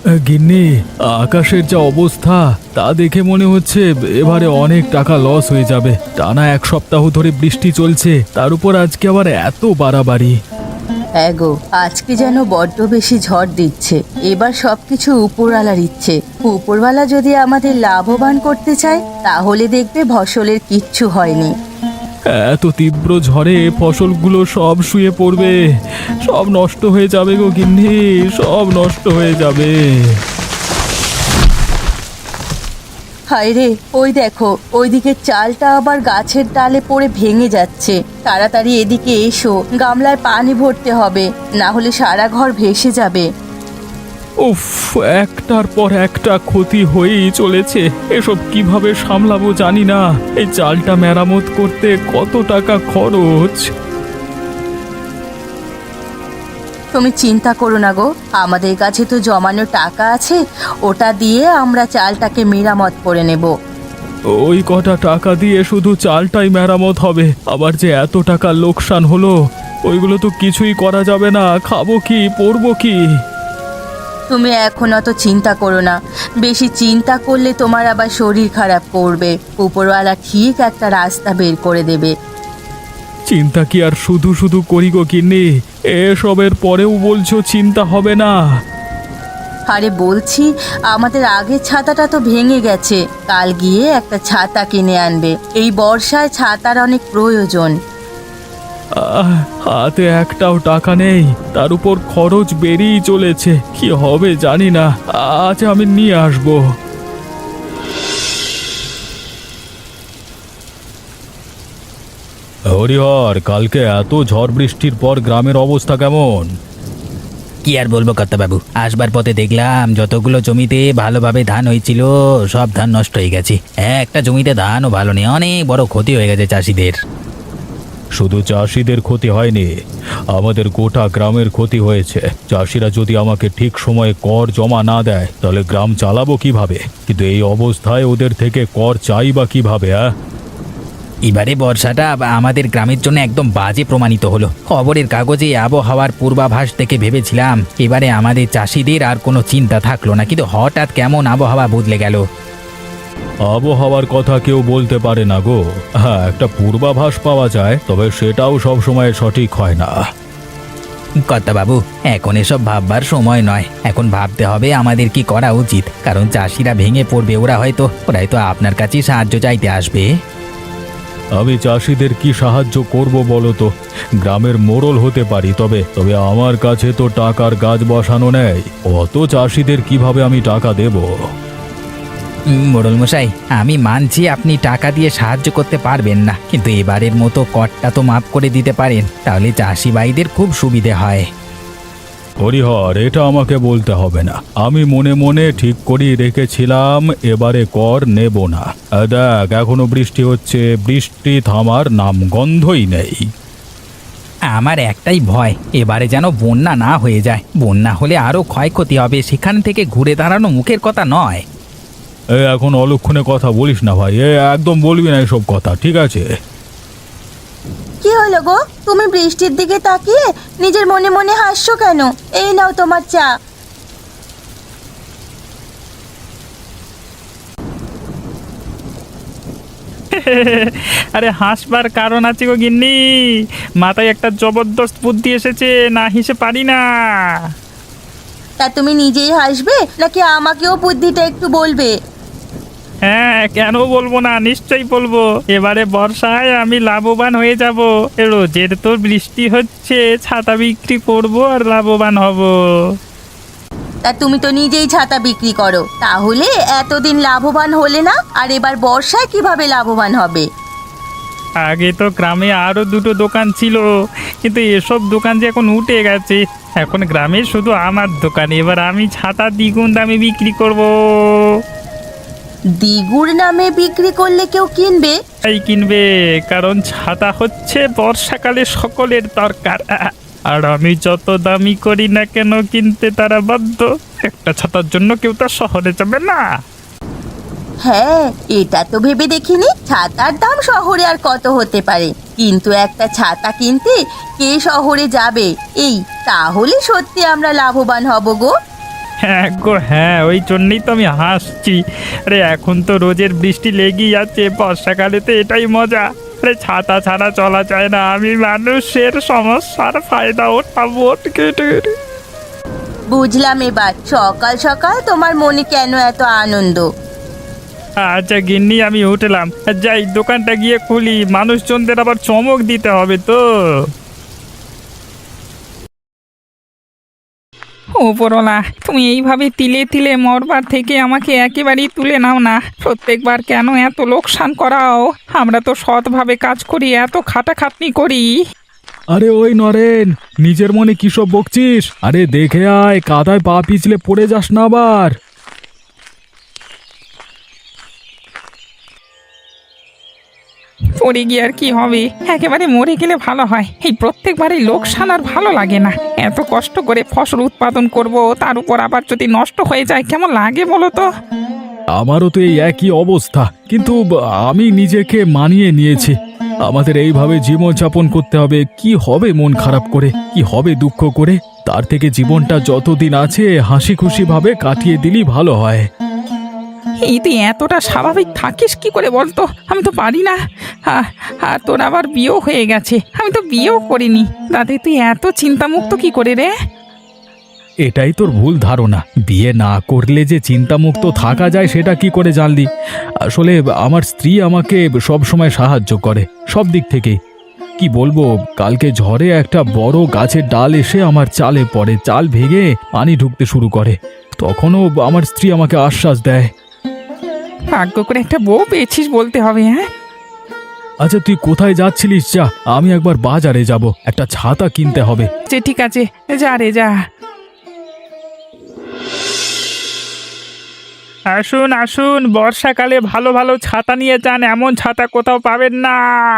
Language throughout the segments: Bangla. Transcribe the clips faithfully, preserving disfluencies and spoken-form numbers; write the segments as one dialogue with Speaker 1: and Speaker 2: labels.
Speaker 1: গিন্নি, আকাশের যা অবস্থা তা দেখে মনে হচ্ছে এবারে অনেক টাকা লস হয়ে যাবে। টানা এক সপ্তাহ ধরে বৃষ্টি চলছে, তার উপর আজকে আবার এত বাড়াবাড়ি।
Speaker 2: এগো আজকে যেন বড্ড বেশি ঝড় দিচ্ছে। এবার সবকিছু উপরওয়ালার ইচ্ছে। উপরওয়ালা যদি আমাদের লাভবান করতে চায় তাহলে দেখবে ফসলের কিচ্ছু হয়নি।
Speaker 1: এত তীব্র ঝড়ে ফসলগুলো সব শুয়ে পড়বে, সব নষ্ট হয়ে যাবে গো গিন্নি, সব নষ্ট হয়ে যাবে।
Speaker 2: হায় রে, ওই দেখো ওইদিকে চালটা আবার গাছের ডালে পড়ে ভেঙে যাচ্ছে। তাড়াতাড়ি এদিকে এসো, গামলায় পানি ভরতে হবে, না হলে সারা ঘর ভেসে যাবে।
Speaker 1: উফ, একটার পর একটা ক্ষতি হয়েই চলেছে। এসব কিভাবে সামলাবো জানি না। এই চালটা মেরামত করতে কত টাকা খরচ।
Speaker 2: তুমি চিন্তা করো না গো, আমাদের কাছে তো জমানো টাকা আছে, ওটা দিয়ে আমরা চালটাকে মেরামত করে নেব।
Speaker 1: ওই কটা টাকা দিয়ে শুধু চালটাই মেরামত হবে, আবার যে এত টাকা লোকসান হলো, ওইগুলো তো কিছুই করা যাবে না। খাবো কি, পরবো কি?
Speaker 2: তুমি এখন অত চিন্তা করো না, বেশি চিন্তা করলে তোমার আবার শরীর খারাপ করবে। উপরওয়ালা ঠিক একটা রাস্তা বের করে দেবে।
Speaker 1: চিন্তা কি আর শুধু শুধু করি গো গিন্নি? এসবের পরেও বলছো চিন্তা হবে না?
Speaker 2: আরে বলছি, আমাদের আগের ছাতাটা তো ভেঙে গেছে, কাল গিয়ে একটা ছাতা কিনে আনবে। এই বর্ষায় ছাতার অনেক প্রয়োজন।
Speaker 1: আহ, হাতে একটাও টাকা নেই, তার উপর খরচ বেরিয়ে চলেছে। কি হবে জানি না। আজ আমি নিয়ে আসবো। হরিহর, কালকে এত ঝড় বৃষ্টির পর গ্রামের অবস্থা কেমন?
Speaker 3: কি আর বলবো কর্তাবাবু, আসবার পথে দেখলাম যতগুলো জমিতে ভালোভাবে ধান হয়েছিল সব ধান নষ্ট হয়ে গেছে। একটা জমিতে ধানও ভালো নেই, অনেক বড় ক্ষতি হয়ে গেছে চাষিদের।
Speaker 1: শুধু চাষিদের ক্ষতি হয়নি, আমাদের গোটা গ্রামের ক্ষতি হয়েছে। চাষিরা যদি আমাকে ঠিক সময়ে কর জমা না দেয় তাহলে গ্রাম চালাবো কিভাবে? কিন্তু এই অবস্থায় ওদের থেকে কর চাই বা কিভাবে? আহ
Speaker 3: এবারে বর্ষাটা আমাদের গ্রামের জন্য একদম বাজে প্রমাণিত হলো। খবরের কাগজে আবহাওয়ার পূর্বাভাস থেকে ভেবেছিলাম এবারে আমাদের চাষিদের আর কোনো চিন্তা থাকলো না, কিন্তু হঠাৎ কেমন আবহাওয়া বদলে গেল।
Speaker 1: আবহাওয়ার কথা কেউ বলতে পারে না গো। হ্যাঁ, একটা পূর্বাভাস পাওয়া যায়, তবে সেটাও সব সময় সঠিক হয় না।
Speaker 3: কর্তাবাবু, এখন এসব ভাববার সময় নয়, এখন ভাবতে হবে আমাদের কি করা উচিত। কারণ চাষিরা ভেঙে পড়বে, ওরা হয়তো ওরা হয়তো আপনার কাছেই সাহায্য চাইতে আসবে।
Speaker 1: আমি চাষিদের কি সাহায্য করব বলো তো? গ্রামের মোড়ল হতে পারি, তবে তবে আমার কাছে তো টাকার গাছ বসানো নেই। অত চাষিদের কিভাবে আমি টাকা দেব?
Speaker 3: মোড়ল মশাই, আমি মানছি আপনি টাকা দিয়ে সাহায্য করতে পারবেন না, কিন্তু এবারের মতো করটা তো মাফ করে দিতে পারেন, তাহলে চাষি ভাইদের খুব সুবিধে হয়।
Speaker 1: হরিহর, এটা আমাকে বলতে হবে না। আমি মনে মনে ঠিক করেই রেখেছিলাম এবারে কর নেব না। আহ, দেখ, এখনো বৃষ্টি হচ্ছে, বৃষ্টি থামার নাম গন্ধই নেই।
Speaker 3: আমার একটাই ভয়, এবারে যেন বন্যা না হয়ে যায়। বন্যা হলে আরও ক্ষয়ক্ষতি হবে, সেখান থেকে ঘুরে দাঁড়ানো মুখের কথা নয়।
Speaker 1: এ এখন অলক্ষণে কথা বলিস না ভাই, এ একদম বলবি না এসব কথা, ঠিক আছে?
Speaker 2: কি হলো গো, তুমি বৃষ্টির দিকে তাকিয়ে নিজের মনে মনে হাসছো কেন? এই নাও তোমার চা।
Speaker 4: আরে হাসবার কারণ আছে গো গিন্নি, মাথায় একটা জবরদস্ত বুদ্ধি এসেছে, না হেসে পারি না।
Speaker 2: তা তুমি নিজেই হাসবে নাকি আমাকেও বুদ্ধিটা একটু বলবে?
Speaker 4: হ্যাঁ, কেন বলবো না, নিশ্চয়ই বলবো। এবারে বর্ষায় আমি লাভবান হয়ে যাব। রোজের তো বৃষ্টি হচ্ছে, ছাতা বিক্রি করব আর লাভবান হব।
Speaker 2: তা তুমি তো নিজেই ছাতা বিক্রি করো, তাহলে এতদিন লাভবান হলে না, আর এবার বর্ষায় কিভাবে লাভবান হবে?
Speaker 4: আগে তো গ্রামে আরো দুটো দোকান ছিল, কিন্তু এসব দোকান যে এখন উঠে গেছে। এখন গ্রামে শুধু আমার দোকান, এবার আমি ছাতা দ্বিগুণ দামে বিক্রি করব।
Speaker 2: দ্বিগুণ নামে বিক্রি করলে কেউ কিনবে?
Speaker 4: এই কিনবে, কারণ ছাতা হচ্ছে বর্ষাকালে সকলের দরকার। আর আমি যত দামি করি না কেন কিনতে তারা বাধ্য। একটা ছাতার জন্য কেউ তো শহরে যাবে না।
Speaker 2: হ্যাঁ, এটা তো ভেবে দেখিনি। ছাতার দাম শহরে আর কত হতে পারে, কিন্তু একটা ছাতা কিনতে কে শহরে যাবে? এই তাহলে সত্যি আমরা লাভবান হব গো।
Speaker 4: হ্যাঁ গো হ্যাঁ, ওই জন্যই তো আমি হাসছি। আরে এখন তো রোজের বৃষ্টি লেগেই আছে, বর্ষাকালে তো এটাই মজা। আরে ছাতা ছাড়া চলা যায় না, আমি মানুষের সমস্যার ফায়দা ওঠাবো।
Speaker 2: বুঝলাম এবার সকাল সকাল তোমার মনে কেন এত আনন্দ।
Speaker 4: আচ্ছা গিন্নি, আমি উঠলাম, যাই দোকানটা গিয়ে খুলি, মানুষজনদের আবার চমক দিতে হবে তো।
Speaker 5: ওপরওয়ালা, তুমি এইভাবে তিলে তিলে মরবার থেকে আমাকে একেবারেই তুলে নাও না। প্রত্যেকবার কেন এত লোকসান করাও? আমরা তো সৎভাবে কাজ করি, এত খাটাখাটনি করি।
Speaker 1: আরে ওই নরেন, নিজের মনে কি সব বকছিস? আরে দেখে আয়, কাদায় পা পিছলে পড়ে যাস না আবার।
Speaker 5: পড়ে গিয়ে আর কি হবে? একেবারে মরে গেলে ভালো হয়। এই প্রত্যেকবারই লোকসান আর ভালো লাগে না। এত কষ্ট করে ফসল উৎপাদন করব, তার উপর আবার যদি নষ্ট হয়ে যায় কেমন লাগে বলো তো?
Speaker 1: আমারও তো এই একই অবস্থা, কিন্তু ব- আমি নিজেকে মানিয়ে নিয়েছি। আমাদের এইভাবে জীবনযাপন করতে হবে। কি হবে মন খারাপ করে, কি হবে দুঃখ করে? তার থেকে জীবনটা যতদিন আছে হাসি খুশি ভাবে কাটিয়ে দিলেই ভালো হয়।
Speaker 5: এই তুই এতটা স্বাভাবিক থাকিস কি করে বলতো? আমি তো পারি না। আ- আর তোর আবার বিয়েও হয়ে গেছে, আমি তো বিয়েও করিনি, তাতে তুই এত চিন্তামুক্ত কি করে রে?
Speaker 1: এটাই তোর ভুল ধারণা। বিয়ে না করলে যে চিন্তামুক্ত থাকা যায় সেটা কি করে জানলি? আসলে আমার স্ত্রী আমাকে সব সময় সাহায্য করে, সব দিক থেকেই। কি বলবো, কালকে ঝড়ে একটা বড় গাছের ডাল এসে আমার চালে পড়ে, চাল ভেঙে পানি ঢুকতে শুরু করে। তখনও আমার স্ত্রী আমাকে আশ্বাস দেয়।
Speaker 5: ভাগ্য করে একটা বউ পেয়েছিস বলতে হবে। হ্যাঁ,
Speaker 1: আচ্ছা তুই কোথায় যাচ্ছিলিস? যা, আমি একবার বাজারে যাব, একটা ছাতা কিনতে হবে।
Speaker 5: যে ঠিক আছে, যা রে যা।
Speaker 4: আসুন আসুন, বর্ষাকালে ভালো ভালো ছাতা নিয়ে যান, এমন ছাতা কোথাও পাবেন না।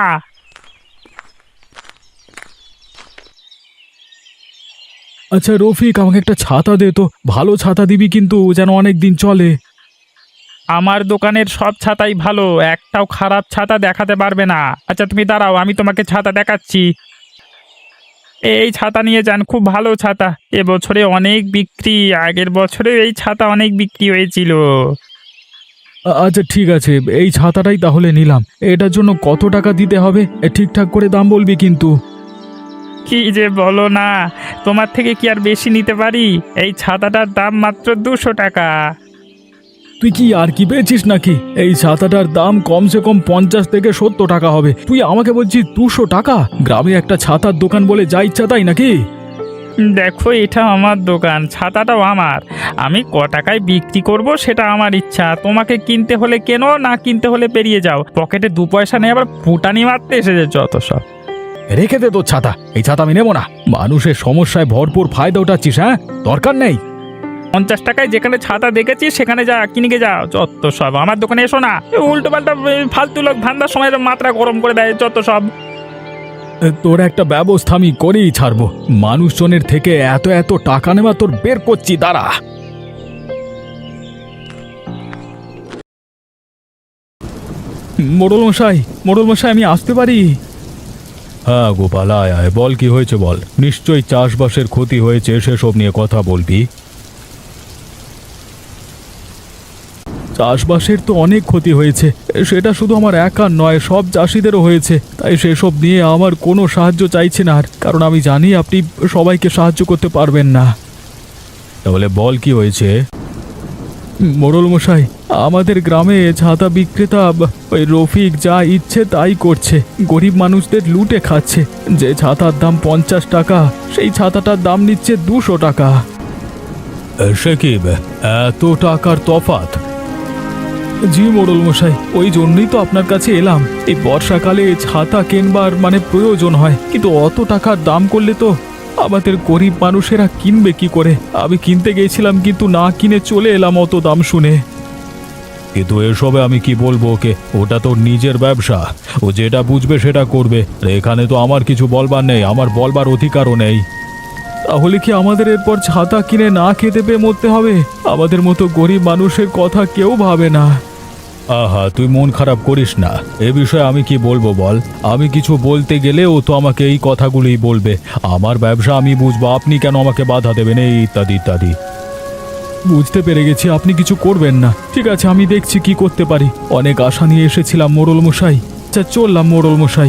Speaker 1: আচ্ছা রফিক, আমাকে একটা ছাতা দে তো, ভালো ছাতা দিবি কিন্তু, যেন অনেক দিন চলে।
Speaker 4: আমার দোকানের সব ছাতাই ভালো, একটাও খারাপ ছাতা দেখাতে পারবে না। আচ্ছা তুমি দাঁড়াও, আমি তোমাকে ছাতা দেখাচ্ছি। এই ছাতা নিয়ে যান, খুব ভালো ছাতা, এবছরে অনেক বিক্রি, আগের বছরে এই ছাতা অনেক বিক্রি হয়েছিল।
Speaker 1: আ- আচ্ছা ঠিক আছে, এই ছাতাটাই তাহলে নিলাম। এটার জন্য কত টাকা দিতে হবে? এ, ঠিকঠাক করে দাম বলবি কিন্তু।
Speaker 4: কি যে বলো না, তোমার থেকে কি আর বেশি নিতে পারি? এই ছাতাটার দাম মাত্র দুশো টাকা।
Speaker 1: তুই কি আর কি পেয়েছিস নাকি? এই ছাতাটার দাম কমসে কম পঞ্চাশ থেকে সত্তর টাকা হবে, তুই আমাকে বলছিস দুশো টাকা? গ্রামে একটা ছাতার দোকান বলে যা ইচ্ছা তাই নাকি?
Speaker 4: দেখো, এটা আমার দোকান, ছাতাটাও আমার, আমি ক টাকায় বিক্রি করব সেটা আমার ইচ্ছা। তোমাকে কিনতে হলে কেনো, না কিনতে হলে পেরিয়ে যাও, পকেটে দু পয়সা নেই আবার ফুটানি মারতে এসেছে যত সব।
Speaker 1: রেখে দে তোর ছাতা, এই ছাতা আমি নেবো না। মানুষের সমস্যায় ভরপুর ফায়দা উঠাচ্ছিস, হ্যাঁ? দরকার নেই।
Speaker 4: পঞ্চাশ টাকায় যেখানে ছাতা দেখেছি সেখানে যা, কিনে যাও যত সব। আমার দোকানে এসো না, উল্টো পাল্টা ফালতু লোক ধান্দার সময় মাত্রা গরম করে দেয় যত সব।
Speaker 1: তোর একটা ব্যবস্থা আমি করেই ছাড়বো। মানুষজনের থেকে এত এত টাকা নেওয়া তোর বের করছি, দাঁড়া। মোড়ল মশাই, মোড়ল মশাই, আমি আসতে পারি? হ্যাঁ গোপাল, আয় আয়, বল কি হয়েছে বল। নিশ্চয়ই চাষবাসের ক্ষতি হয়েছে, সেসব নিয়ে কথা বলবি। চাষবাসের তো অনেক ক্ষতি হয়েছে, সেটা শুধু আমার একার নয়, সব চাষিদেরও হয়েছে। তাই সেসব নিয়ে আমার কোনো সাহায্য চাইছে না আর, কারণ আমি জানি আপনি সবাইকে সাহায্য করতে পারবেন না। তাহলে বল কি হয়েছে? মোড়ল মশাই, আমাদের গ্রামে ছাতা বিক্রেতা ব- ওই রফিক যা ইচ্ছে তাই করছে, গরিব মানুষদের লুটে খাচ্ছে। যে ছাতার দাম পঞ্চাশ টাকা, সেই ছাতাটার দাম নিচ্ছে দুশো টাকা। সে কি, এত টাকার তফাৎ? জি মোড়ল মশাই, ওই জন্যই তো আপনার কাছে এলাম। এই বর্ষাকালে ছাতা কেনবার মানে প্রয়োজন হয়, কিন্তু অত টাকার দাম করলে তো আমাদের গরিব মানুষেরা কিনবে কি করে? আমি কিনতে গেছিলাম, কিন্তু না কিনে চলে এলাম অত দাম শুনে। কিন্তু এসবে আমি কি বলবো ওকে? ওটা তো নিজের ব্যবসা, ও যেটা বুঝবে সেটা করবে। আর এখানে তো আমার কিছু বলবার নেই, আমার বলবার অধিকারও নেই। তাহলে কি আমাদের এরপর ছাতা কিনে না খেতে পেয়ে মরতে হবে? আমাদের মতো গরিব মানুষের কথা কেউ ভাবে না। আহা, তুই মন খারাপ করিস না, এ বিষয়ে আমি কি বলবো বল? আমি কিছু বলতে গেলে ও তো আমাকে এই কথাগুলোই বলবে। আমার ব্যবসা আমি বুঝবো, আপনি কেন আমাকে বাধা দেবেন, এই ইত্যাদি ইত্যাদি। বুঝতে পেরে গেছি আপনি কিছু করবেন না। ঠিক আছে, আমি দেখছি কি করতে পারি। অনেক আশা নিয়ে এসেছিলাম মোড়ল মশাই। আচ্ছা, চললাম মোড়ল মশাই।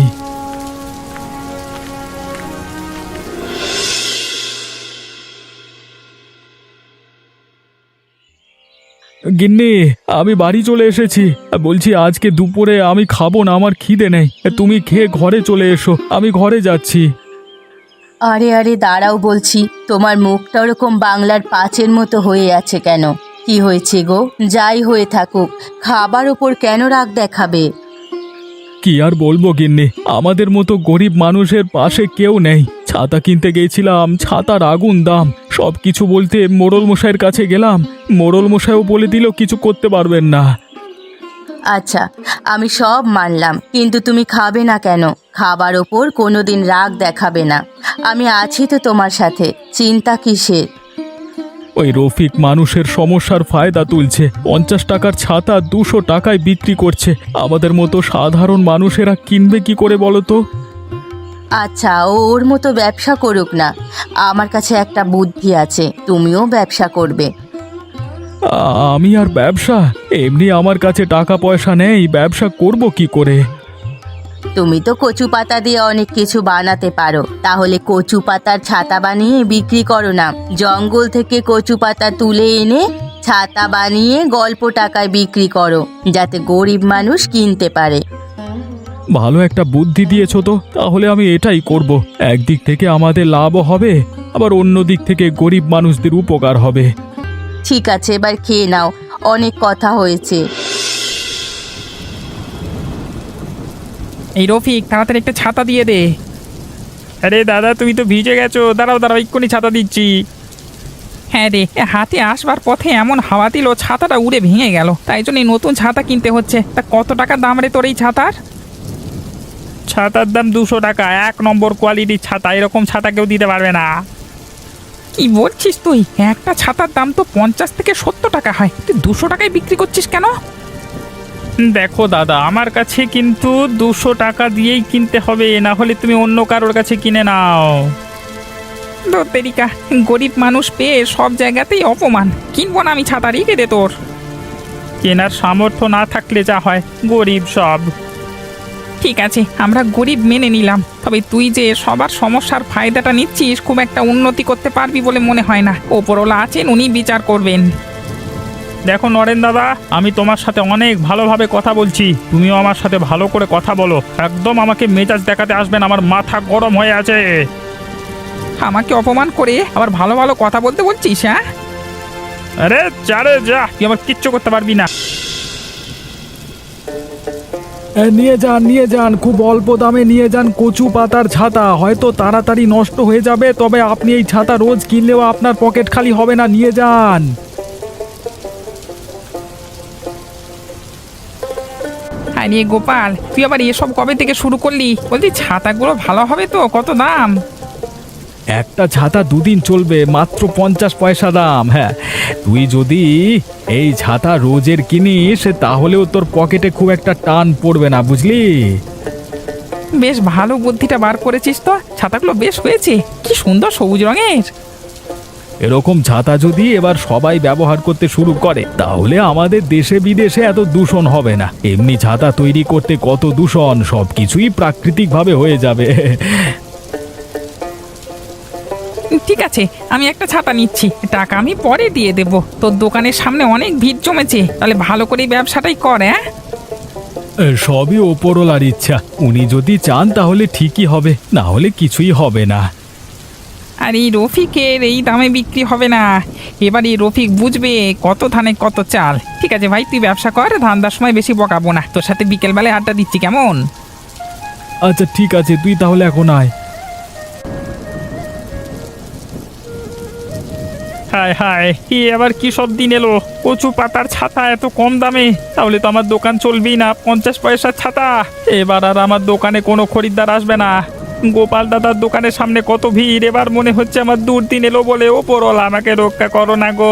Speaker 1: গিন্নি, আমি বাড়ি চলে এসেছি। বলছি আজকে দুপুরে আমি খাবো না, আমার খিদে নেই। তুমি খেয়ে ঘরে চলে এসো, আমি ঘরে যাচ্ছি।
Speaker 2: আরে আরে দাঁড়াও বলছি, তোমার মুখটা ওরকম বাংলার পাঁচের মতো হয়ে আছে কেন? কি হয়েছে গো? যাই হয়ে থাকুক, খাবার ওপর কেন রাগ দেখাবে?
Speaker 1: কি আর বলবো গিন্নি, আমাদের মতো গরিব মানুষের পাশে কেউ নেই। ছাতা কিনতে গেছিলাম, ছাতার আগুন দাম। সব কিছু বলতে মোড়ল মশাইয়ের কাছে গেলাম, মোড়ল মশাইও বলে দিল কিছু করতে পারবেন না।
Speaker 2: আচ্ছা, আমি সব মানলাম, কিন্তু তুমি খাবে না কেন? খাবার ওপর কোনোদিন রাগ দেখাবে না। আমি আছি তো তোমার সাথে, চিন্তা কিসের?
Speaker 1: ওই রফিক মানুষের সমস্যার ফায়দা তুলছে। পঞ্চাশ টাকার ছাতা দুশো টাকায় বিক্রি করছে। আমাদের মতো সাধারণ মানুষেরা কিনবে কি করে বলো তো?
Speaker 2: আচ্ছা, ও ওর মতো ব্যবসা করুক না। আমার কাছে একটা বুদ্ধি আছে, তুমিও ব্যবসা করবে।
Speaker 1: আ- আমি আর ব্যবসা? এমনি আমার কাছে টাকা পয়সা নেই, ব্যবসা করব কি করে?
Speaker 2: তুমি তো কচু পাতা দিয়ে অনেক কিছু বানাতে পারো, তাহলে কচু পাতার ছাতা বানিয়ে বিক্রি করো না। জঙ্গল থেকে কচু পাতা তুলে এনে ছাতা বানিয়ে গল্প টাকায় বিক্রি করো, যাতে গরিব মানুষ কিনতে পারে।
Speaker 1: ভালো একটা বুদ্ধি দিয়েছো তো, তাহলে আমি এটাই করব। একদিক থেকে আমাদের লাভও হবে, আবার অন্য দিক থেকে গরিব মানুষদের উপকার হবে।
Speaker 2: ঠিক আছে, এবার খেয়ে নাও, অনেক কথা হয়েছে।
Speaker 5: এই রফিক, তাড়াতাড়ি একটা ছাতা দিয়ে দে।
Speaker 4: আরে দাদা, তুমি তো ভিজে গেছো। দাঁড়াও দাঁড়াও, এক্ষুনি ছাতা দিচ্ছি।
Speaker 5: হ্যাঁ রে, এ হাতে আসবার পথে এমন হাওয়া দিল ছাতাটা উড়ে ভেঙে গেল, তাই জন্য এই নতুন ছাতা কিনতে হচ্ছে। তা কত টাকা দাম রে তোর এই ছাতার?
Speaker 4: ছাতার দাম দুশো টাকা। এক নম্বর কোয়ালিটির ছাতা, এরকম ছাতা কেউ দিতে পারবে না।
Speaker 5: কি বলছিস তুই? একটা ছাতার দাম তো পঞ্চাশ থেকে সত্তর টাকা হয়, তুই দুশো টাকায় বিক্রি করছিস কেন?
Speaker 4: দেখো দাদা, আমার কাছে কিন্তু দুশো টাকা দিয়েই কিনতে হবে, না হলে তুমি অন্য কারোর কাছে কিনে নাও।
Speaker 5: তেরিকা, গরিব মানুষ পেয়ে সব জায়গাতেই অপমান। কিনবো না আমি ছাতা, রেখে দে তোর।
Speaker 4: কেনার সামর্থ্য না থাকলে যা হয়, গরিব সব।
Speaker 5: ঠিক আছে, আমরা গরিব মেনে নিলাম, তবে তুই যে সবার সমস্যার ফায়দাটা নিচ্ছিস, খুব একটা উন্নতি করতে পারবি বলে মনে হয় না। ওপরওয়ালা আছেন, উনি বিচার করবেন।
Speaker 4: দেখো নরেন দাদা, আমি তোমার সাথে অনেক ভালোভাবে কথা বলছি, তুমিও আমার সাথে ভালো করে কথা বলো। একদম আমাকে মেজাজ দেখাতে আসবেন, আমার মাথা গরম হয়ে আছে।
Speaker 5: আমাকে অপমান করে আবার ভালো ভালো কথা বলতে বলছিস? হ্যাঁ,
Speaker 4: আরে চারে যা, তুই আমার কিচ্ছু করতে পারবি না।
Speaker 1: নিয়ে যান, নিয়ে যান, খুব অল্প দামে নিয়ে যান কচু পাতার ছাতা। হয়তো তাড়াতাড়ি নষ্ট হয়ে যাবে, তবে আপনি এই ছাতা রোজ কিনলেও আপনার পকেট খালি হবে না। নিয়ে যান।
Speaker 5: আরে গোপাল, তুই আবার এসব কবে থেকে শুরু করলি? বলছি ছাতাগুলো ভালো হবে তো? কত দাম?
Speaker 1: একটা ছাতা দুদিন চলবে, মাত্র পঞ্চাশ পয়সা দাম। হ্যাঁ, তুই যদি এই ছাতা রোজের কিনিস তাহলেও তোর পকেটে খুব একটা টান পড়বে না, বুঝলি?
Speaker 5: বেশ ভালো বুদ্ধিটা বার করেছিস তো। ছাতাগুলো বেশ হয়েছে, কি সুন্দর সবুজ রঙের।
Speaker 1: এরকম ছাতা যদি এবার সবাই ব্যবহার করতে শুরু করে, তাহলে আমাদের দেশে বিদেশে এত দূষণ হবে না। এমনি ছাতা তৈরি করতে কত দূষণ, সব কিছুই প্রাকৃতিকভাবে হয়ে যাবে।
Speaker 5: ঠিক আছে, আমি একটা ছাতা নিচ্ছি, টাকা আমি পরে দিয়ে দেব। তোর দোকানের সামনে অনেক ভিড় জমেছে, তাহলে ভালো করে ব্যবসাটাই কর। হ্যাঁ,
Speaker 1: সবই ওপরওয়ালার ইচ্ছা, উনি যদি চান তাহলে ঠিকই হবে, না হলে কিছুই হবে না।
Speaker 5: আর এই রফিকের এই দামে বিক্রি হবে না। এবার এই রফিক বুঝবে কত ধানে কত চাল। ঠিক আছে ভাই, তুই ব্যবসা কর, ধান্দার সময় বেশি বকাবো না। তোর সাথে বিকেলবেলায় আড্ডা দিচ্ছি, কেমন?
Speaker 1: আচ্ছা ঠিক আছে, তুই তাহলে এখন আয়।
Speaker 4: হায় হায়, কি এবার কি সব দিন এলো? কচু পাতার ছাতা এত কম দামে, তাহলে তো আমার দোকান চলবেই না। পঞ্চাশ পয়সার ছাতা, এবার আর আমার দোকানে কোনো খরিদ্দার আসবে না। গোপাল দাদার দোকানের সামনে কত ভিড়, এবার মনে হচ্ছে আমার দুর্দিন এলো বলে। ওপরওয়ালা আমাকে রক্ষা করো না গো।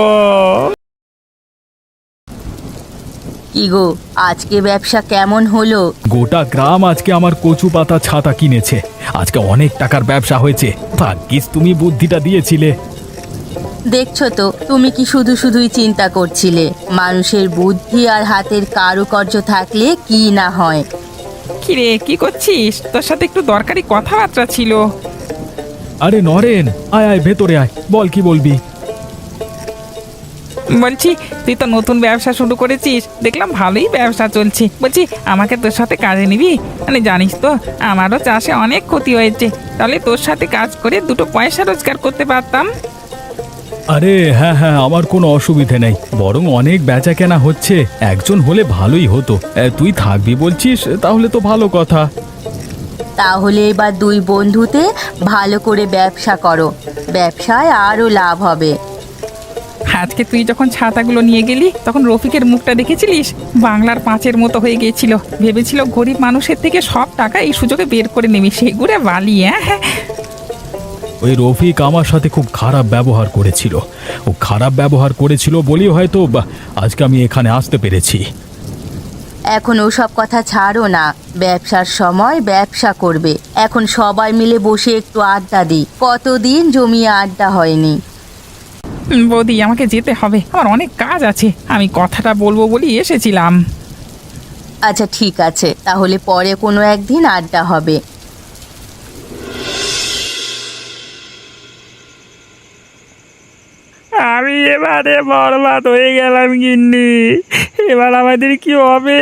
Speaker 2: কি গো, আজকে ব্যবসা কেমন হলো?
Speaker 1: গোটা গ্রাম আজকে আমার কচু পাতা ছাতা কিনেছে। আজকে অনেক টাকার ব্যবসা হয়েছে। ভাগ্যিস তুমি বুদ্ধিটা দিয়েছিলে।
Speaker 2: দেখছো তো তুমি কি শুধু শুধুই চিন্তা করছিলে। মানুষের বুদ্ধি আর হাতের কারুকার্য থাকলে কি না হয়।
Speaker 5: কি রে, কি করছিস? তোর সাথে একটু দরকারি কথাবার্তা ছিল।
Speaker 1: আরে নরেন, আয় আয় ভেতরে আয়, বল কি বলবি।
Speaker 5: বলছি, তুই তো নতুন ব্যবসা শুরু করেছিস, দেখলাম ভালোই ব্যবসা চলছে। বলছি, আমাকে তোর সাথে কাজে নিবি? মানে জানিস তো আমারও চাষে অনেক ক্ষতি হয়েছে, তাহলে তোর সাথে কাজ করে দুটো পয়সা রোজগার করতে পারতাম।
Speaker 1: আরে হ্যাঁ হ্যাঁ, আমার কোনো অসুবিধে নেই, বরং অনেক বেচা কেনা হচ্ছে, একজন হলে ভালোই হতো। এ, তুই থাকবি বলছিস, তাহলে তো ভালো কথা।
Speaker 2: তাহলে এবার দুই বন্ধুতে ভালো করে ব্যবসা করো, ব্যবসায় আরও লাভ হবে।
Speaker 5: আজকে তুই যখন ছাতাগুলো নিয়ে গেলি তখন রফিকের মুখটা দেখেছিলিস? বাংলার পাঁচের মতো হয়ে গিয়েছিল। ভেবেছিল গরিব মানুষের থেকে সব টাকা এই সুযোগে বের করে নেবে, সেগুলো বালি। হ্যাঁ,
Speaker 1: ওই রফিক আমার সাথে খুব খারাপ ব্যবহার করেছিল, ও খারাপ ব্যবহার করেছিল বলেই হয়তো বা, আজকে আমি এখানে আসতে পেরেছি।
Speaker 2: এখন ওসব কথা ছাড়ো না, ব্যবসার সময় ব্যবসা করবে। এখন সবাই মিলে বসে একটু আড্ডা দিই, কতদিন জমিয়ে আড্ডা হয়নি।
Speaker 5: বৌদি, আমাকে যেতে হবে, আমার অনেক কাজ আছে। আমি কথাটা বলবো বলি এসেছিলাম।
Speaker 2: আচ্ছা ঠিক আছে, তাহলে পরে কোনো একদিন আড্ডা হবে।
Speaker 4: আমি এবারে বরবাদ হয়ে গেলাম গিন্নি, এবার আমাদের কি হবে?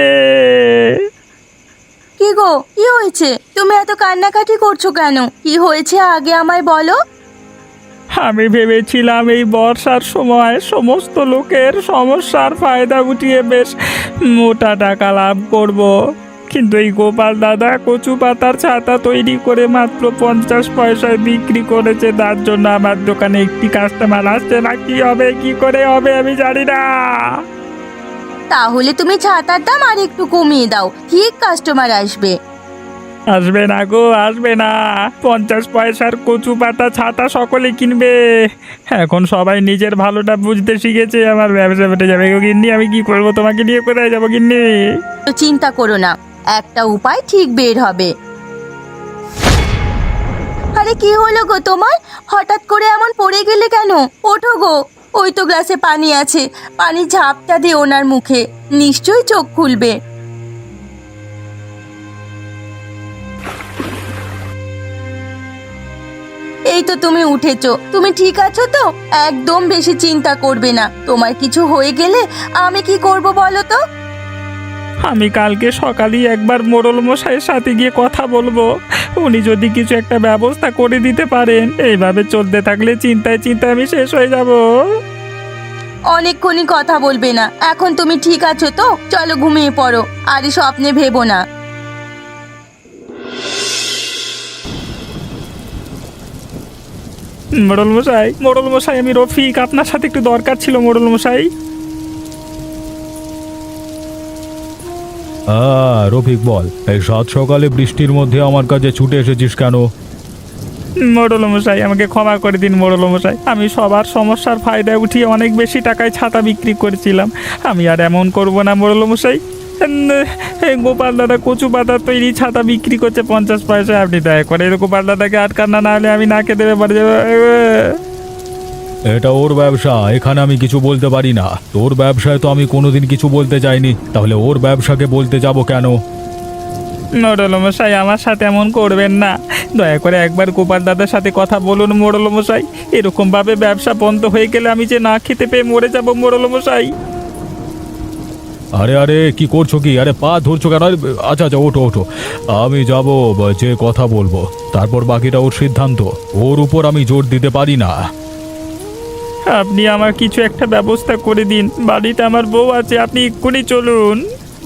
Speaker 2: কি গো, কি হয়েছে? তুমি এত কান্নাকাটি করছো কেন? কি হয়েছে আগে আমায় বলো।
Speaker 4: আমি ভেবেছিলাম এই বর্ষার সময় সমস্ত লোকের সমস্যার ফায়দা উঠিয়ে বেশ মোটা টাকা লাভ করব। কিন্তু এই গোপাল দাদা কচু পাতার ছাতা তৈরি করে মাত্র পঞ্চাশ পয়সায় বিক্রি করেছে, তার জন্য আমার দোকানে একটি কাস্টমার আসছে না। কি হবে, কি করে হবে আমি জানি না।
Speaker 2: তাহলে তুমি ছাতার দাম আর একটু কমিয়ে দাও, ঠিক কাস্টমার আসবে।
Speaker 4: আসবে না গো, আসবে না। পঞ্চাশ পয়সার কচু পাতা ছাতা সকলে কিনবে। এখন সবাই নিজের ভালোটা বুঝতে শিখেছে, আমার ব্যবসা বেটে যাবে গো গিন্নি। আমি কি করবো, তোমাকে নিয়ে কোথায় যাবো গিন্নি?
Speaker 2: তো চিন্তা করো না, একটা উপায় ঠিক বের হবে। আরে কি হলো গো তোমার? হঠাৎ করে এমন পড়ে গেলে কেন? ওঠো গো, ওই তো গ্লাসে পানি আছে, পানি ঝাপটা দিয়ে ওনার মুখে, নিশ্চয়ই চোখ খুলবে। এই তো তুমি উঠেছো, তুমি ঠিক আছো তো? একদম বেশি চিন্তা করবে না, তোমার কিছু হয়ে গেলে আমি কি করব বলো তো?
Speaker 4: আমি কালকে সকালেই একবার মোড়ল মশাইয়ের সাথে গিয়ে কথা বলবো, উনি যদি কিছু একটা ব্যবস্থা করে দিতে পারেন। এইভাবে চলতে থাকলে চিন্তায় চিন্তায় আমি শেষ হয়ে যাব।
Speaker 2: অনেকক্ষণই কথা বলবে না, এখন তুমি ঠিক আছো তো? চলো ঘুমিয়ে পড়ো, আর এই স্বপ্নে ভেবো না।
Speaker 4: মোড়ল মশাই, মোড়ল মশাই, আমি রফিক, আপনার সাথে একটু দরকার ছিল মোড়ল মশাই।
Speaker 1: আহ রফিক বল, এই সাত সকালে বৃষ্টির মধ্যে আমার কাছে ছুটে এসেছিস কেন?
Speaker 4: মোড়ল মশাই, আমাকে ক্ষমা করে দিন মোড়ল মশাই। আমি সবার সমস্যার ফায়দা উঠিয়ে অনেক বেশি টাকায় ছাতা বিক্রি করেছিলাম। আমি আর এমন করব না মোড়ল মশাই। এই গোপাল দাদা কচু পাতার তৈরি ছাতা বিক্রি করছে পঞ্চাশ পয়সায়, আপনি দয়া করে এরকম গোপাল দাদাকে আটকান না, না হলে আমি না খেতে পারে যাবো।
Speaker 1: এটা ওর ব্যবসা, এখানে আমি কিছু বলতে পারি না। তোর ব্যবসায় তো আমি কোনোদিন কিছু বলতে চাইনি, তাহলে ওর ব্যবসাকে বলতে যাব কেন?
Speaker 4: মোড়ল মশাই, আমার সাথে এমন করবেন না, দয়া করে একবার গোপাল দাদার সাথে কথা বলুন মোড়ল মশাই। এরকম ভাবে ব্যবসা বন্ধ হয়ে গেলে আমি যে না খেতে পেয়ে মরে যাব মোড়ল মশাই।
Speaker 1: আরে আরে কি করছো কি? আরে পা ধরছো কেন? আরে, আচ্ছা আচ্ছা ওঠো ওঠো, আমি যাব, যে কথা বলবো, তারপর বাকিটা ওর সিদ্ধান্ত, ওর উপর আমি জোর দিতে পারি না।
Speaker 4: আপনি আমার কিছু একটা ব্যবস্থা করে দিন, বাড়িতে আমার বউ আছে, আপনি এক্ষুনি চলুন।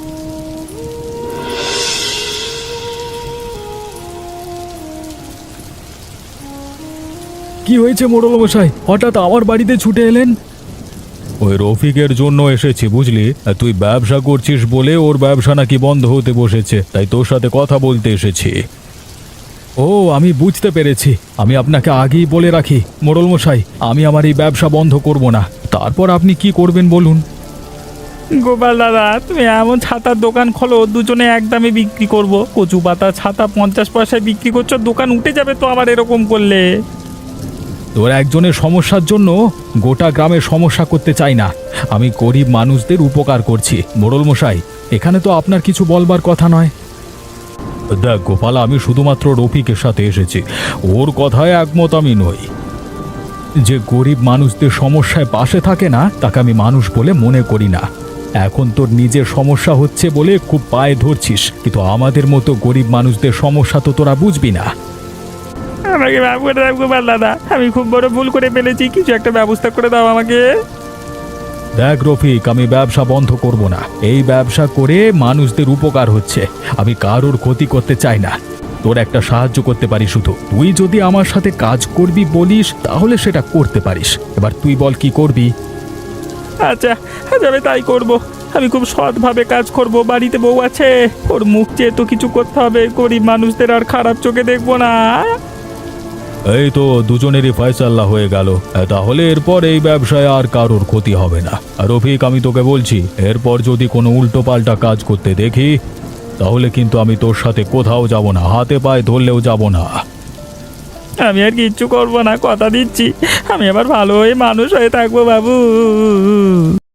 Speaker 1: কি হয়েছে মোড়ল মশাই, হঠাৎ আমার বাড়িতে ছুটে এলেন? ওই রফিকের জন্য এসেছি বুঝলি, তুই ব্যবসা করছিস বলে ওর ব্যবসা নাকি বন্ধ হতে বসেছে, তাই তোর সাথে কথা বলতে এসেছি। ও আমি বুঝতে পেরেছি, আমি আপনাকে আগেই বলে রাখি মোড়ল মশাই, আমি আমার এই ব্যবসা বন্ধ করব না। তারপর আপনি কি করবেন বলুন?
Speaker 4: গোপাল দাদা, তুমি এমন ছাতার দোকান খোলো, দুজনে একদমে বিক্রি করব। কচু পাতা ছাতা পঞ্চাশ পয়সায় বিক্রি করছো, দোকান উঠে যাবে তো আমার এরকম করলে।
Speaker 1: তোর একজনের সমস্যার জন্য গোটা গ্রামের সমস্যা করতে চাই না। আমি গরিব মানুষদের উপকার করছি। মোড়ল মশাই, এখানে তো আপনার কিছু বলবার কথা নয়। দেখ গোপাল, আমি শুধুমাত্র রফিকের সাথে এসেছি, ওর কথায় একমত আমি নই। যে গরিব মানুষদের সমস্যায় পাশে থাকে না তাকে আমি মানুষ বলে মনে করি না। এখন তোর নিজের সমস্যা হচ্ছে বলে খুব পায়ে ধরছিস, কিন্তু আমাদের মতো গরিব মানুষদের সমস্যা তো তোরা বুঝবি না।
Speaker 4: আমাকে মাফ করে দাও গোপাল দাদা, আমি খুব বড় ভুল করে ফেলেছি, কিছু একটা ব্যবস্থা করে দাও আমাকে।
Speaker 1: দেখ রফিক, আমি ব্যবসা বন্ধ করব না। এই ব্যবসা করে মানুষদের উপকার হচ্ছে, আমি কারোর ক্ষতি করতে চাই না। তোর একটা সাহায্য করতে পারি শুধু, তুই যদি আমার সাথে কাজ করবি বলিস তাহলে সেটা করতে পারিস। এবার তুই বল কি করবি।
Speaker 4: আচ্ছা আজ আমি তাই করব। আমি খুব সৎভাবে কাজ করব, বাড়িতে বউ আছে, ওর মুখ চেয়ে তো কিছু করতে হবে, গরিব মানুষদের আর খারাপ চোখে দেখবো না।
Speaker 1: এই তো দুজনেরই ফয়সাল্লা হয়ে গেল, তাহলে এরপর এই ব্যবসায় আর কারোর ক্ষতি হবে না। আর রফিক, আমি তোকে বলছি, এরপর যদি কোনো উল্টো পাল্টা কাজ করতে দেখি তাহলে কিন্তু আমি তোর সাথে কোথাও যাব না, হাতে পায়ে ধরলেও যাব না।
Speaker 4: আমি আর কিচ্ছু করবো না, কথা দিচ্ছি। আমি আবার ভালো হয়ে মানুষ হয়ে থাকবো বাবু।